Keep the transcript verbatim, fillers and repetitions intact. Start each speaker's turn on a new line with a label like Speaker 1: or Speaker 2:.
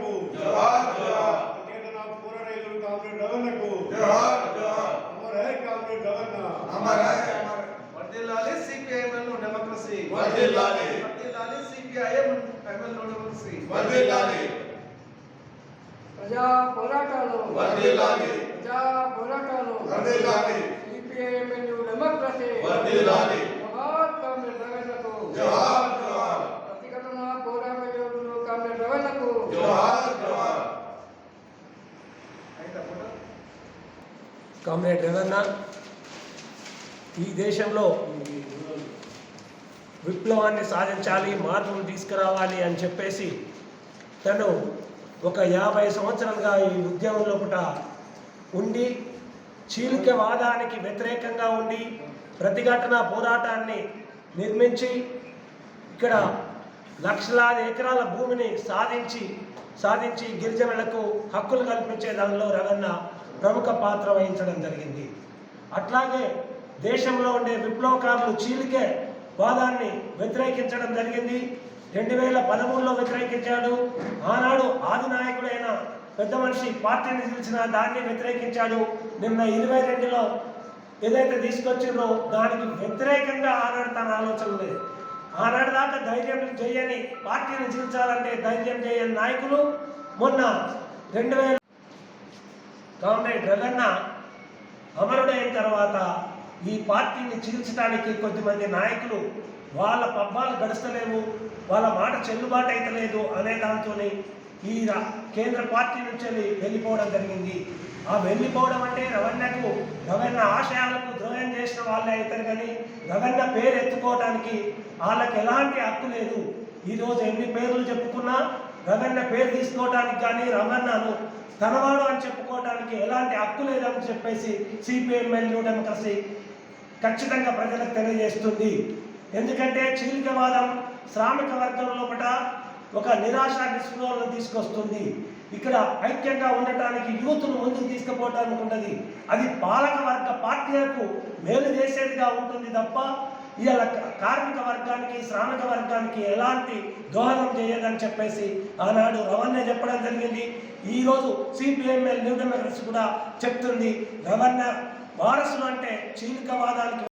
Speaker 1: రవణకు జోహార్ జోహార్ ప్రతిఘటన పోరాటేందుకు కామ్రేడ్ రవణకు జోహార్ జోహార్ అమర్ హై కామ్రేడ్ రవణ అమర్ హై అమర్
Speaker 2: వర్ధిల్లాలి సిపిఐఎంఎల్ డెమోక్రసీ
Speaker 1: వర్ధిల్లాలి
Speaker 2: వర్ధిల్లాలి సిపిఐఎంఎల్ డెమోక్రసీ
Speaker 1: వర్ధిల్లాలి
Speaker 3: ప్రజా పోరాటాలు
Speaker 1: వర్ధిల్లాలి
Speaker 3: ప్రజా పోరాటాలు
Speaker 1: వర్ధిల్లాలి
Speaker 3: సిపిఐఎంఎల్ డెమోక్రసీ
Speaker 1: వర్ధిల్లాలి
Speaker 3: జోహార్ కామ్రేడ్ రవణకు
Speaker 1: జోహార్ జోహార్
Speaker 3: ప్రతిఘటన పోరాట యోధులు కామ్రేడ్ రవణకు
Speaker 1: జోహార్ జోహార్
Speaker 4: కామ్రేడ్ రవణ ఈ దేశంలో విప్లవాన్ని సాధించాలి, మార్పులు తీసుకురావాలి అని చెప్పేసి తను ఒక యాభై సంవత్సరాలుగా ఈ ఉద్యమం లోపల ఉండి చీలికవాదానికి వ్యతిరేకంగా ఉండి ప్రతిఘటన పోరాటాన్ని నిర్మించి ఇక్కడ లక్షలాది ఎకరాల భూమిని సాధించి సాధించి గిరిజనులకు హక్కులు కల్పించే దానిలో రవణ ప్రముఖ పాత్ర వహించడం జరిగింది. అట్లాగే దేశంలో ఉండే విప్లవకారులు చీలికే వాదాన్ని వ్యతిరేకించడం జరిగింది. రెండు వేల పదమూడులో వ్యతిరేకించాడు. ఆనాడు ఆది నాయకుడైన పెద్ద మనిషి పార్టీని నిలిచిన దాన్ని వ్యతిరేకించాడు. నిన్న ఇరవై రెండులో ఏదైతే తీసుకొచ్చిందో దానికి వ్యతిరేకంగా ఆనాడు తన ఆలోచన లేదు. ఆనాడు దాకా ధైర్యం చేయని పార్టీని చీల్చాలంటే ధైర్యం చేయని నాయకులు మొన్న రెండు వేల కామ్రేడ్ రవణ అమరుడైన తర్వాత ఈ పార్టీని చీల్చడానికి కొద్దిమంది నాయకులు వాళ్ళ పబ్బాలు గడుస్తలేవు, వాళ్ళ మాట చెల్లుబాటు అయితే లేదు అనే దాంతో ఈ కేంద్ర పార్టీ నుంచి వెళ్ళిపోవడం జరిగింది. ఆ వెళ్ళిపోవడం అంటే రవణకు రవణ ఆశయాలకు ద్రోహం చేసిన వాళ్ళే అవుతారు, కానీ రవణ పేరు ఎత్తుకోవడానికి వాళ్ళకి ఎలాంటి హక్కు లేదు. ఈరోజు ఎన్ని పేర్లు చెప్పుకున్నా రవణ పేరు తీసుకోవడానికి కానీ రవణను తనవాడు అని చెప్పుకోవడానికి ఎలాంటి హక్కు లేదని చెప్పేసి సిపిఐఎంఎల్ డెమోక్రసీ ఖచ్చితంగా ప్రజలకు తెలియజేస్తుంది. ఎందుకంటే చీలికవాదం శ్రామిక వర్గం లోపల ఒక నిరాశ నిస్పృహలను తీసుకొస్తుంది. ఇక్కడ ఐక్యంగా ఉండటానికి యూత్ను ముందుకు తీసుకుపోవడానికి ఉన్నది. అది పాలక వర్గ పార్టీలకు మేలు చేసేదిగా ఉంటుంది తప్ప ఇవాళ కార్మిక వర్గానికి శ్రామిక వర్గానికి ఎలాంటి దోహదం చేయదని చెప్పేసి ఆనాడు రవణ చెప్పడం జరిగింది. ఈరోజు సిపిఐఎంఎల్ న్యూ డెమోక్రసీ కూడా చెప్తుంది. రవణ వారసులు అంటే చీలికవాదానికి